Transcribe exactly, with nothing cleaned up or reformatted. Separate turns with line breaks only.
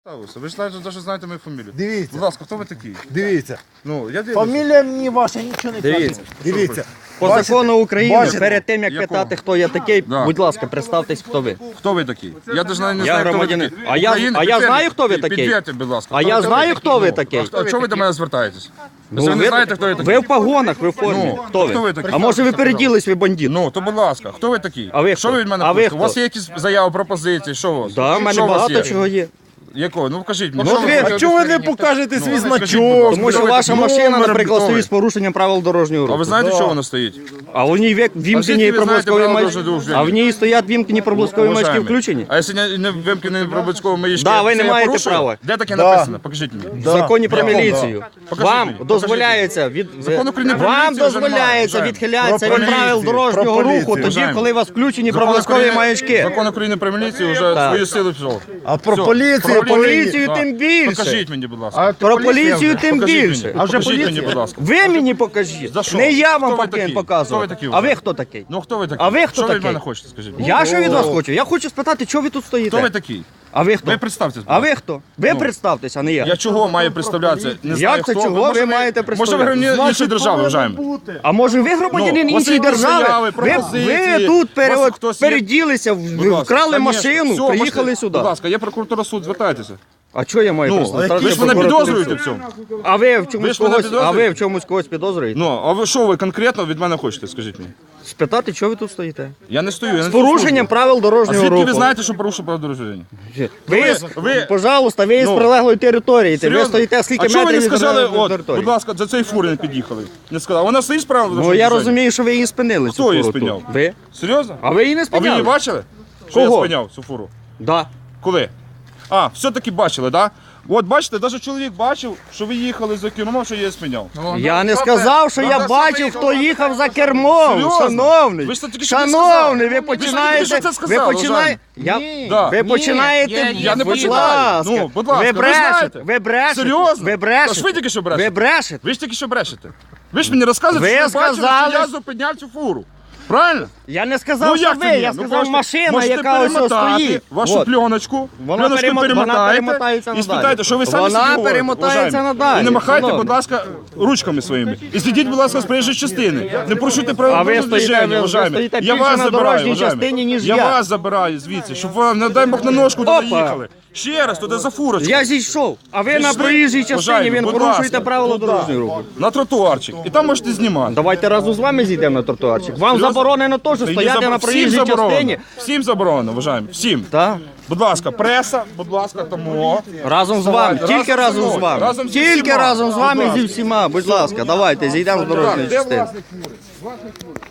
Ви ж знаєте, що знаєте мою фамілію.
Дивіться.
Будь ласка, хто ви такий?
Дивіться.
Ну, я дивлюся.
Фамілія мені ваша нічого не каже.
Дивіться.
Дивіться.
По
Бачите?
закону України,
Бачите?
перед тим, як
Якого?
питати, хто я такий,
Да.
будь ласка, представтесь, хто ви.
Хто ви такий? Я навіть не
Я
знаю, хто ви
громадянин.
такий.
А я-
Україна,
а я
підтвердіть,
знаю, хто ви такий.
Підтвердьте, будь ласка.
А я знаю, хто ви такий.
А чого ви до мене звертаєтесь?
Ну,
Ви не знаєте, хто я такий?
ви в погонах, ви в формі.
Ну,
хто,
хто
ви?
ви такий?
А може ви переділись, ви бандит?
Ну, то будь ласка, хто ви такий?
А ви
Що
хто?
ви від мене
А ви
хочете? У вас
хто?
є якісь заяви, пропозиції, що у вас?
Да, в мене
Що у вас
багато
є?
чого є.
Якого? Ну покажіть мені.
Ну,
що
ви-
ви
А
хочете?
чого ви не покажете свій
Ну, скажіть, будь
значок?
ласка.
Тому що
Хто ви
ваша
такий?
машина,
Номер
наприклад,
хто ви?
стоїть з порушенням правил дорожнього
А
руху.
ви знаєте,
Да.
що воно стоїть?
А в ній вік-
А
вімкнені
звідки ви знаєте
проблискові
правила
маячки.
дорожнього руху?
А в ній стоять вімкнені проблискові маячки
Уважаємий.
включені.
А якщо не, не вимкнені проблискові маячки,
Да, ви
це
не
я
маєте
порушую?
права.
Де таке
Да.
написано? Покажіть мені.
В законі про
Якому?
міліцію.
Покажіть
Вам
мені, покажіть
дозволяється від
Закон України про
вам
міліцію вже
дозволяється
немає,
відхилятися
Про
від правил
поліцію,
дорожнього
про
руху
поліцію.
тоді, коли у вас включені
Закон
проблискові
України-
маячки.
Закон України про міліцію вже
Так.
свою силу пішов.
А про
Все.
поліцію,
Про
поліцію
Так.
тим більше.
Покажіть мені, будь ласка.
А
Про поліцію тим
Покажіть
більше.
мені.
А вже
Покажіть мені,
поліція?
будь ласка.
Ви мені покажіть.
За що?
Не я вам
Хто ви
повинен
такі?
показувати.
Хто ви такі
А
вже?
ви хто такий?
Ну хто ви такий?
А ви хто
Що ви від
такий?
мене хочете, скажіть? мені?
Я що від вас хочу? Я хочу спитати, чого ви тут стоїте.
Хто ви такий?
А ви хто?
Ви представтесь. будь
А
ласка.
ви хто? Ви
Ну.
представтесь, а не я.
Я чого маю представлятися? Не
Як
знаю,
це
хто.
чого
Може,
ви маєте
Може ви
представляти?
громадянин іншої держави, вважаємо.
А може ви громадянин
Ну, у вас
іншої
є якісь
держави?
заяви,
Ви,
пропозиції,
ви тут пере-
у вас хтось є?
переділися, в-
Будь ласка,
вкрали
конечно.
машину,
Все,
приїхали
можете-
сюди.
Будь ласка, є прокуратура, суд, звертайтеся.
А що я маю
Ну,
представляти?
ви ж мене підозрюєте в цьому.
А ви в
Ви
чомусь
ж мене
когось, а ви
підозрюєте?
в чомусь когось підозрюєте?
Ну, а ви що ви конкретно від мене хочете, скажіть мені?
Спитати, чого ви тут стоїте?
Я не стою, я не
З порушенням правил
А
дорожнього
звідки
руху.
ви знаєте, що порушив правила дорожнього руху?
Ви,
Ви-
з-
ви-
пожалуйста, ви із
Ну,
прилеглої території. Ви
Серйозно?
стоїте скільки
а чого ви
метрів
не
від
сказали,
прилеглої
от,
території?
будь ласка, за цей фури не під'їхали? Не сказали. Вона стоїть справа?
Ну я розумію, що ви її спинили.
Хто
цю
її
фуру тут.
спиняв?
Ви?
Серйозно?
А ви її не
А ви
спиняли?
її бачили? Що
Кого?
я спиняв цю фуру?
Да.
Коли? А, все-таки бачили, так? Да? От бачите, навіть чоловік бачив, що ви їхали за кермом, що я її спиняв.
Я не сказав, що я
Надо
бачив,
саме
хто їхав за кермом.
Серйозно?
Шановний,
Ви ж це тільки що
шановний,
сказали.
ви
Ви ж тільки
починаєте.
що це
Ви
сказали,
починаєте. Я...
Да.
Ви починаєте.
я-
Я не
будь
починаю.
ласка.
Ну, будь ласка,
ви
ви
брешете.
знаєте.
Ви брешете.
Серйозно?
Ви
Та
брешете.
ж ви тільки що брешете.
Ви брешете.
Ви ж тільки що брешете. Ви ж мені розказуєте,
Ви
що ви бачили,
сказали-
що я зупиняв цю фуру. Правильно?
Я не сказав,
Ну
що
як
ви,
це ні?
я
Ну,
сказав
можете-
машина,
можете
яка ось ось
перемотати
стоїть.
вашу
От.
пленочку,
Вона
пленочку
перемо- вона
перемотаєте
перемотається
і
надалі.
спитайте, що ви самі
Вона
собі говорите,
перемотається
уважаємі.
надалі,
І не махайте,
шановний.
будь ласка, ручками своїми. І слідіть, будь ласка, з проїжджої частини. Не порушуйте правила
А ви
дорожнього
стоїте-
движення,
ви
уважаємі.
стоїте
Я
більше
вас
на
забираю,
дорожній
уважаємі.
частині, ніж
Я
я.
вас забираю звідси, щоб вам, не дай Бог, на ножку
Опа.
не наїхали. Ще раз, туди за фурочку.
Я зійшов, а ви на
Пішли.
проїжджій частині,
Уважаємі,
він
будь
порушуєте
ласка.
правила дорожнього руху.
На тротуарчик. І там можете знімати.
Давайте разом з вами зійдемо на тротуарчик. Вам
Серйозно?
заборонено теж
Та її
стояти
забор-
на
всім
проїжджій
заборонено.
частині.
Всім заборонено, вважаємо. Всім.
Так?
Будь ласка, преса, будь ласка, тому.
Разом з вами,
Давайте,
тільки
разом
разом
зі
з
мною,
вами.
разом зі
Тільки
всіма.
разом з
Будь
вами
ласка.
зі всіма. Будь ласка, давайте зійдемо з дорожньої
Де
частини.
власник фури? Власник фури.